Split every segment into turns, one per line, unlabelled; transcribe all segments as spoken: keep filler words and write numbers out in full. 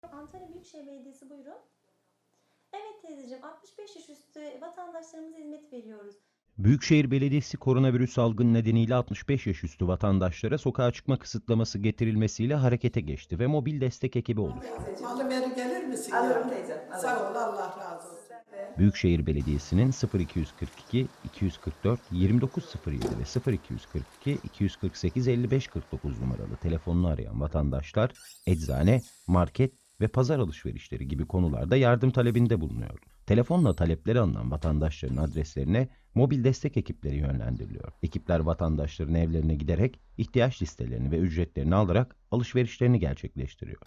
Antalya Büyükşehir Belediyesi, buyurun. Evet teyzeciğim, altmış beş yaş üstü vatandaşlarımıza hizmet veriyoruz.
Büyükşehir Belediyesi koronavirüs salgını nedeniyle altmış beş yaş üstü vatandaşlara sokağa çıkma kısıtlaması getirilmesiyle harekete geçti ve mobil destek ekibi oluşturdu.
Malı veri gelir misin
Alırım
ya?
teyzem, alırım.
Sağ ol, Allah razı olsun.
Büyükşehir Belediyesi'nin sıfır iki yüz kırk iki iki yüz kırk dört yirmi dokuz sıfır yedi ve sıfır iki yüz kırk iki iki yüz kırk sekiz elli beş kırk dokuz numaralı telefonunu arayan vatandaşlar eczane, market ve pazar alışverişleri gibi konularda yardım talebinde bulunuyor. Telefonla talepleri alınan vatandaşların adreslerine mobil destek ekipleri yönlendiriliyor. Ekipler vatandaşların evlerine giderek ihtiyaç listelerini ve ücretlerini alarak alışverişlerini gerçekleştiriyor.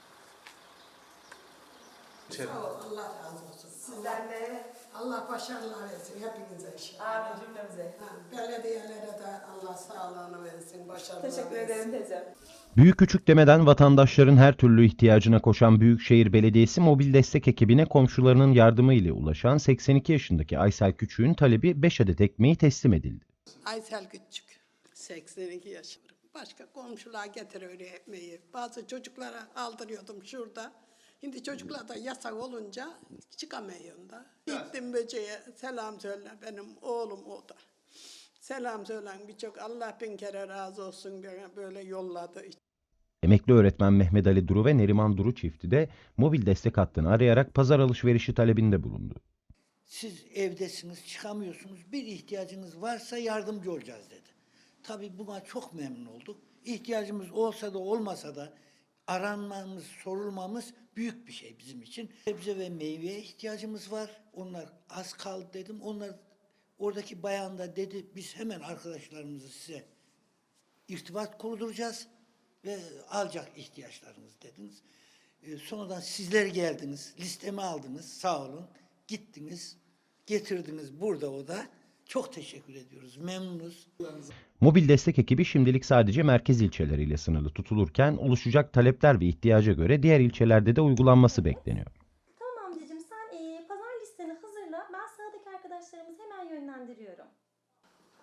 Sağ ol, Allah razı olsun.
Sizden de
Allah başarılar versin hepinize inşallah.
amin cümlemize.
Ha, belediyelere de Allah sağlığını versin, başarılar
Teşekkür
versin.
ederim teyzem.
Büyük küçük demeden vatandaşların her türlü ihtiyacına koşan Büyükşehir Belediyesi mobil destek ekibine komşularının yardımı ile ulaşan seksen iki yaşındaki Aysel Küçük'ün talebi beş adet ekmeği teslim edildi.
Aysel Küçük, seksen iki yaşındayım. Başka komşular getiriyor ekmeği. Bazı çocuklara aldırıyordum şurada. Şimdi çocuklar da yasak olunca çıkamıyorum da. Gittim böceğe selam söyle, benim oğlum o da. Selam söylen birçok, Allah bin kere razı olsun bana böyle yolladı.
Emekli öğretmen Mehmet Ali Duru ve Neriman Duru çifti de mobil destek hattını arayarak pazar alışverişi talebinde bulundu.
Siz evdesiniz, çıkamıyorsunuz, bir ihtiyacınız varsa yardımcı olacağız dedi. Tabii buna çok memnun olduk. İhtiyacımız olsa da olmasa da aranmamız, sorulmamız büyük bir şey bizim için. Sebze ve meyveye ihtiyacımız var. Onlar az kaldı dedim. Onlar oradaki bayan da dedi biz hemen arkadaşlarımızı size irtibat kurduracağız ve alacak ihtiyaçlarınızı dediniz. E, sonradan sizler geldiniz, listemi aldınız, sağ olun. Gittiniz, getirdiniz burada o da. Çok teşekkür ediyoruz, memnunuz.
Mobil destek ekibi şimdilik sadece merkez ilçeleriyle sınırlı tutulurken oluşacak talepler ve ihtiyaca göre diğer ilçelerde de uygulanması bekleniyor.
Tamam amcacığım, sen e, pazar listeni hazırla. Ben sağdaki arkadaşlarımızı hemen yönlendiriyorum.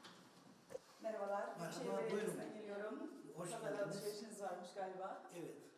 Merhabalar.
Merhaba,
Büyükşehir
buyurun.
Belediyesi'nden geliyorum.
Hoş
Pazar
geldiniz.
alışverişiniz varmış galiba.
Evet.